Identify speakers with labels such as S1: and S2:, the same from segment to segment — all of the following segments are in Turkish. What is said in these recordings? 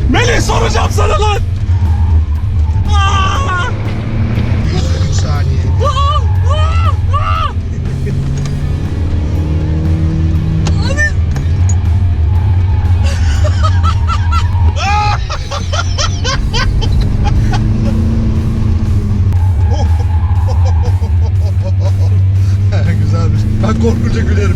S1: Melih soracağım sana lan.
S2: 103 saniye. Güzelmiş. Ben korkunca gülerim.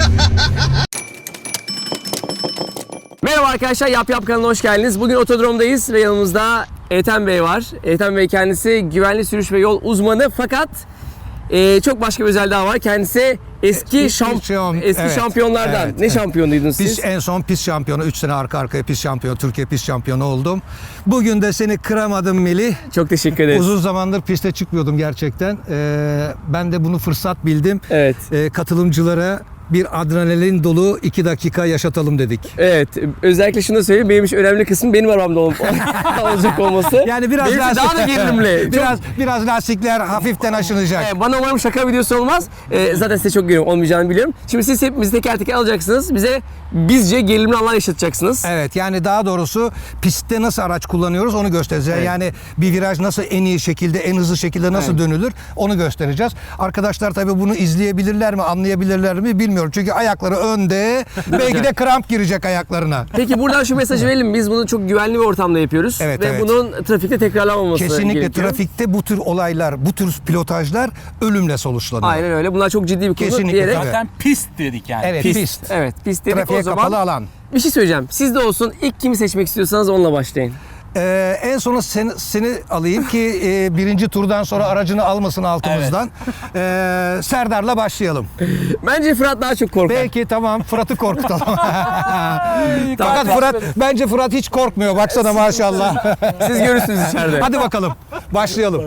S3: Merhaba arkadaşlar, Yap Yap kanalına hoş geldiniz. Bugün otodromdayız ve yanımızda Ethem Bey var. Ethem Bey kendisi güvenli sürüş ve yol uzmanı, fakat çok başka bir özelliği daha var. Kendisi eski şampiyonlardan.
S2: Evet,
S3: ne şampiyonuydunuz siz?
S2: Biz en son pist şampiyonu, 3 sene arka arkaya pist şampiyonu, Türkiye pist şampiyonu oldum. Bugün de seni kıramadım Melih.
S3: Çok teşekkür ederiz.
S2: Uzun zamandır piste çıkmıyordum gerçekten. Ben de bunu fırsat bildim.
S3: Evet.
S2: Katılımcılara bir adrenalin dolu 2 dakika yaşatalım dedik.
S3: Evet. Özellikle şunu da söyleyeyim. Benim için önemli kısım benim arabamda olacak olması.
S2: Yani biraz
S3: benim için daha da gerilimli.
S2: biraz lastikler hafiften aşınacak.
S3: Bana umarım şaka videosu olmaz. Zaten size çok güveniyorum, olmayacağını biliyorum. Şimdi siz hepimizi teker teker alacaksınız. Bize bizce gerilimli anlar yaşatacaksınız.
S2: Evet, yani daha doğrusu pistte nasıl araç kullanıyoruz onu göstereceğiz.
S3: Evet.
S2: Yani bir viraj nasıl en iyi şekilde, en hızlı şekilde nasıl dönülür onu göstereceğiz. Arkadaşlar tabii bunu izleyebilirler mi, anlayabilirler mi bilmiyorum. Çünkü ayakları önde, belki de kramp girecek ayaklarına.
S3: Peki buradan şu mesajı verelim. Biz bunu çok güvenli bir ortamda yapıyoruz.
S2: Evet,
S3: ve
S2: evet.
S3: bunun trafikte tekrarlanmaması
S2: Kesinlikle
S3: gerekiyor.
S2: trafikte bu tür olaylar, bu tür pilotajlar ölümle sonuçlanıyor.
S3: Aynen öyle. Bunlar çok ciddi bir konu
S2: Kesinlikle
S3: diyerek.
S2: tabii.
S1: Zaten pist dedik yani.
S2: Evet, pist.
S3: Evet, pist dedik.
S2: Trafiğe
S3: O zaman
S2: kapalı alan.
S3: bir şey söyleyeceğim. Sizde olsun. İlk kimi seçmek istiyorsanız onunla başlayın.
S2: En sona seni alayım ki birinci turdan sonra aracını almasın altımızdan. Serdar'la başlayalım.
S3: Bence Fırat daha çok korkar.
S2: Belki tamam, Fırat'ı korkutalım. Fakat
S3: Tamam.
S2: bence Fırat hiç korkmuyor. Baksana maşallah.
S3: Siz görürsünüz içeride.
S2: Hadi bakalım. Başlayalım.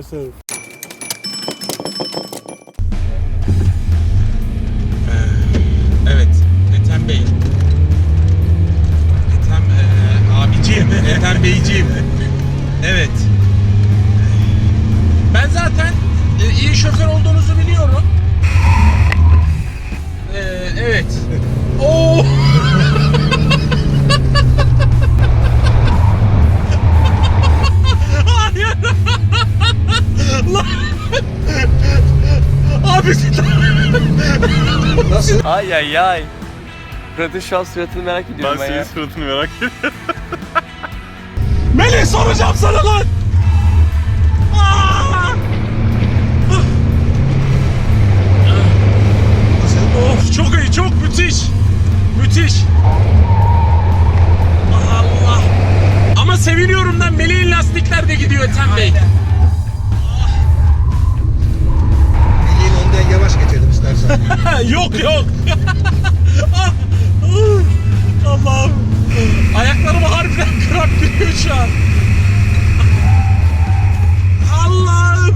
S1: Evet. Ethem Bey. Ethem abiciğim. Ethem Beyciğim. Evet. Ben zaten iyi şoför olduğunuzu biliyorum. Evet. Oo. Hayır. Lan. Abi.
S2: Nasıl?
S3: Ay ay ay. Fırat'ın şu an suratını merak ediyorum ben ya.
S1: suratını merak ediyorum. Melih soracağım sana lan. Of, çok iyi, çok müthiş. Müthiş. Allah. Ama seviniyorum lan, Melih'in lastikler de gidiyor Ethem Bey.
S2: Melih'in önden yavaş geçelim istersen.
S1: Yok yok. Allah'ım. Ayaklarım harbiden kramp giriyor şu an. Allah'ım.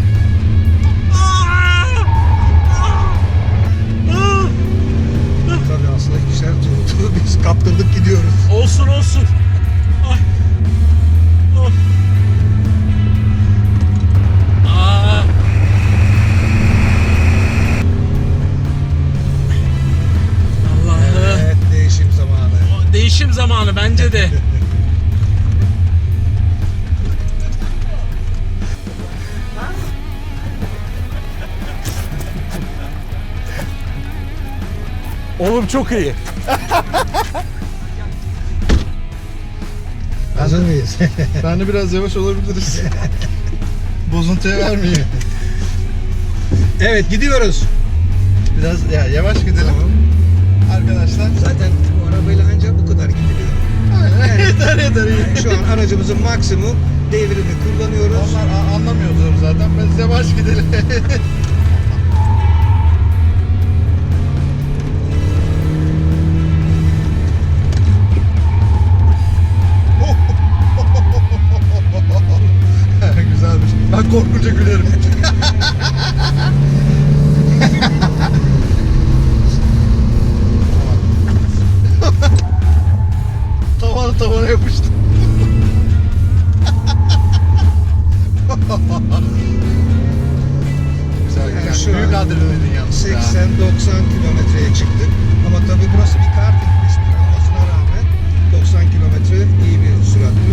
S2: Tabii aslında ikişer turdu. Biz kaptırdık gidiyoruz.
S1: Olsun olsun. Ay. Of. Aa. Allah'ım.
S2: Evet, değişim zamanı.
S1: Değişim zamanı bence de. Oğlum çok iyi.
S2: Hazır mıyız?
S4: Ben de biraz yavaş olabiliriz. Bozuntuya vermeyeyim.
S2: Evet, gidiyoruz.
S4: Biraz yavaş gidelim. Arkadaşlar.
S2: Zaten bu arabayla ancak bu kadar gidiliyor.
S4: Aynen. Yeter yeter iyi.
S2: Yani şu an aracımızın maksimum devrini kullanıyoruz.
S4: Onlar anlamıyordur zaten. Biz yavaş gidelim. Güzelmiş. Ben korkunca gülerim. Tavana yapıştı. Güzel
S2: Yani
S4: güzel.
S2: şu
S4: Büyük
S2: an
S4: adrenalin yalnız ya.
S2: 80-90 kilometreye çıktık. Ama tabii burası bir kart etmiş olmasına rağmen 90 kilometre iyi bir sürat.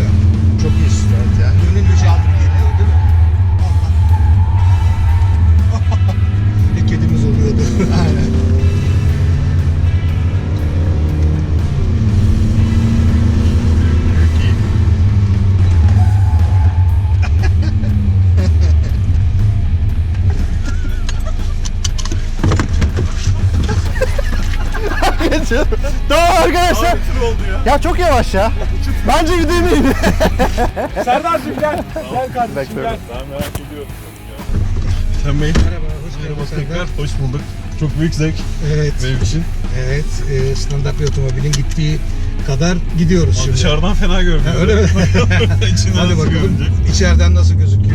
S2: Arkadaşlar
S1: Tır oldu ya.
S2: ya çok yavaş ya. Bence gidemeyin.
S1: Serdar'cığım gel. Gel kardeşim gel. Ben merak ediyorum.
S4: Sen Bey.
S2: Merhaba, hoş
S4: Merhaba tekrar. Hoş bulduk. Çok büyük zevk
S2: Evet,
S4: benim için.
S2: evet. Standart bir otomobilin gittiği kadar gidiyoruz
S4: Ama
S2: şimdi.
S4: dışarıdan fena görünüyor.
S2: Öyle mi?
S4: İçinden
S2: Hadi
S4: nasıl
S2: bakalım
S4: görünecek?
S2: içeriden nasıl gözüküyor.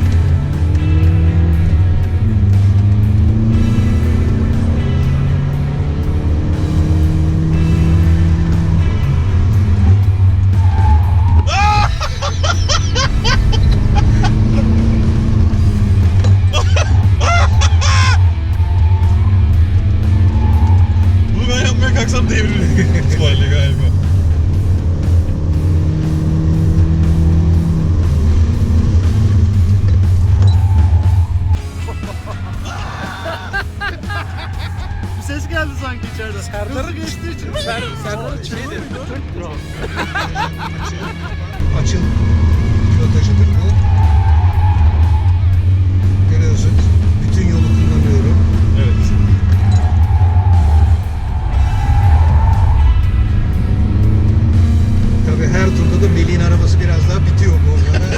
S4: Bunu ben yapmaya kalksam devrilir. İtibariyle galiba.
S1: Bir ses geldi sanki içeriden. Serdar'ı geçtiği için. Serdar'ın şeydi.
S2: Açıl pilotajıdır bu. Görüyorsun. Bütün yolu kullanıyorum.
S4: Evet.
S2: Tabii her turda da Melih'in arabası biraz daha bitiyor bu arada.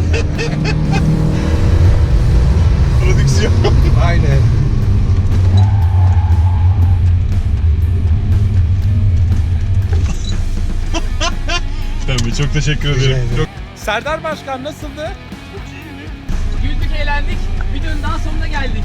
S4: Prodüksiyon.
S2: Aynen.
S4: Sen Bey çok teşekkür
S2: Rica
S4: ederim.
S2: ederim.
S4: Çok
S1: Serdar Başkan nasıldı?
S3: Güldük, eğlendik. Videonun daha sonuna geldik.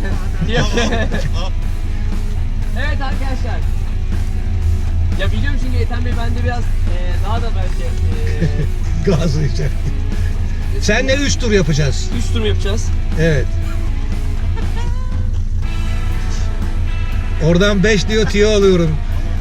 S3: Evet arkadaşlar. Ya biliyorum çünkü Ethem Bey bende biraz daha da belki
S2: Gazı içer. Senle 3 tur yapacağız.
S3: 3 tur mu yapacağız?
S2: Evet. Oradan 5 diyor tiyo alıyorum.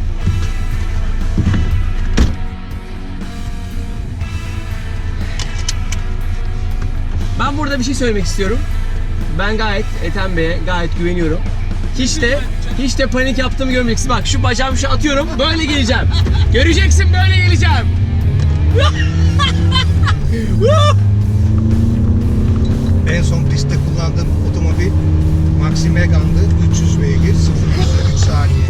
S3: Ben burada bir şey söylemek istiyorum. Ben gayet Ethem Bey'e gayet güveniyorum. Hiç de panik yaptığımı görmeyeceksin. Bak şu bacağımı şu atıyorum. Böyle geleceğim. Göreceksin, böyle geleceğim.
S2: En son pistte kullandığım otomobil Maxi Megane'dı. 300 beygir, 0-100'e 3 saniye.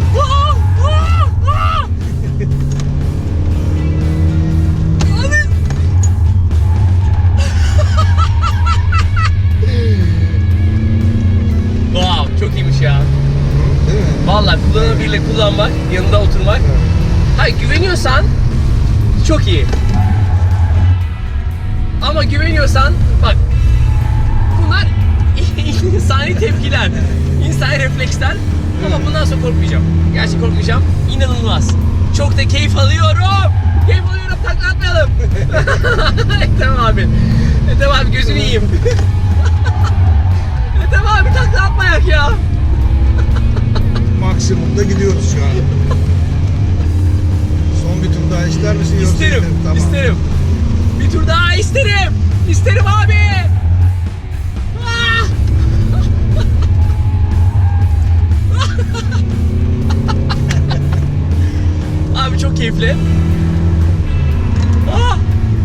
S3: Wow, çok iyiymiş ya.
S2: Değil mi?
S3: Vallahi kullanabilirle kullanmak, yanında oturmak. Hayır, güveniyorsan çok iyi. Ama güveniyorsan bak, bunlar insani tepkiler, insani refleksler. Ama bundan sonra korkmayacağım. Gerçekten korkmayacağım. İnanılmaz. Çok da keyif alıyorum. Keyif alıyorum. Takla atmayalım. Tamam abi. Tamam abi, gözünü yiyeyim. Tamam abi, takla atmayak ya.
S2: Maksimumda gidiyoruz şu an. Son bir tur daha ister misin? Yoksa
S3: İsterim,
S2: Tamam.
S3: isterim. Bir tur daha isterim. İsterim abi. Ah! Abi çok keyifli. Ah!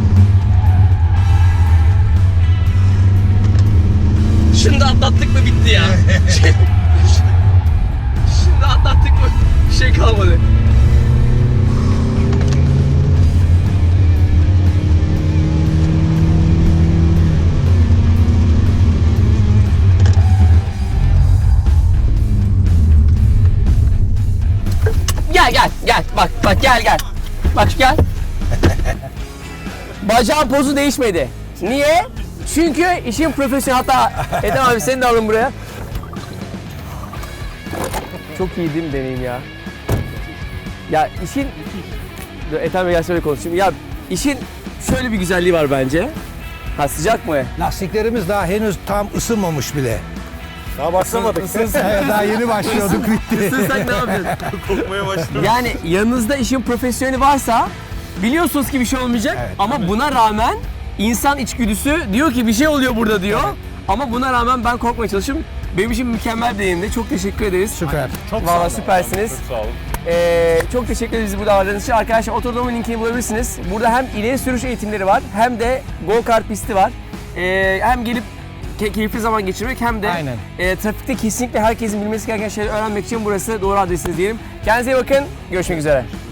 S3: Şunu da atlattık mı bitti ya. Şimdi atlattık mı bir şey kalmadı. Gel bak gel bak gel. Bacağın pozu değişmedi. Niye? Çünkü işin profesyonel. Hatta Ethem abi seni de alın buraya. Çok iyi değil mi deneyim ya? Ya işin... Dur, Ethem Bey gel şöyle konuşayım. Ya işin şöyle bir güzelliği var bence. Ha, sıcak mı?
S2: Lastiklerimiz daha henüz tam ısınmamış bile.
S1: Daha başlamadık.
S2: Daha yeni başlıyorduk bitti.
S3: Isınsak ne yapacağız?
S4: kokmaya başladım.
S3: Yani yanınızda işin profesyoneli varsa biliyorsunuz ki bir şey olmayacak,
S2: Evet,
S3: ama buna rağmen insan içgüdüsü diyor ki bir şey oluyor burada diyor. Ama buna rağmen ben korkmaya çalışıyorum. Benim için mükemmel bir deneyimdi. Çok teşekkür ederiz.
S2: Süper.
S3: Vallahi süpersiniz.
S1: Çok sağ olun.
S3: Çok teşekkür ederiz burada aradığınız için. Arkadaşlar Otodrome'un linkini bulabilirsiniz. Burada hem ileri sürüş eğitimleri var hem de go-kart pisti var. Hem gelip keyifli zaman geçirmek hem de
S2: Aynen.
S3: Trafikte kesinlikle herkesin bilmesi gereken şeyleri öğrenmek için burası doğru adresiniz diyelim. Kendinize iyi bakın. Görüşmek üzere.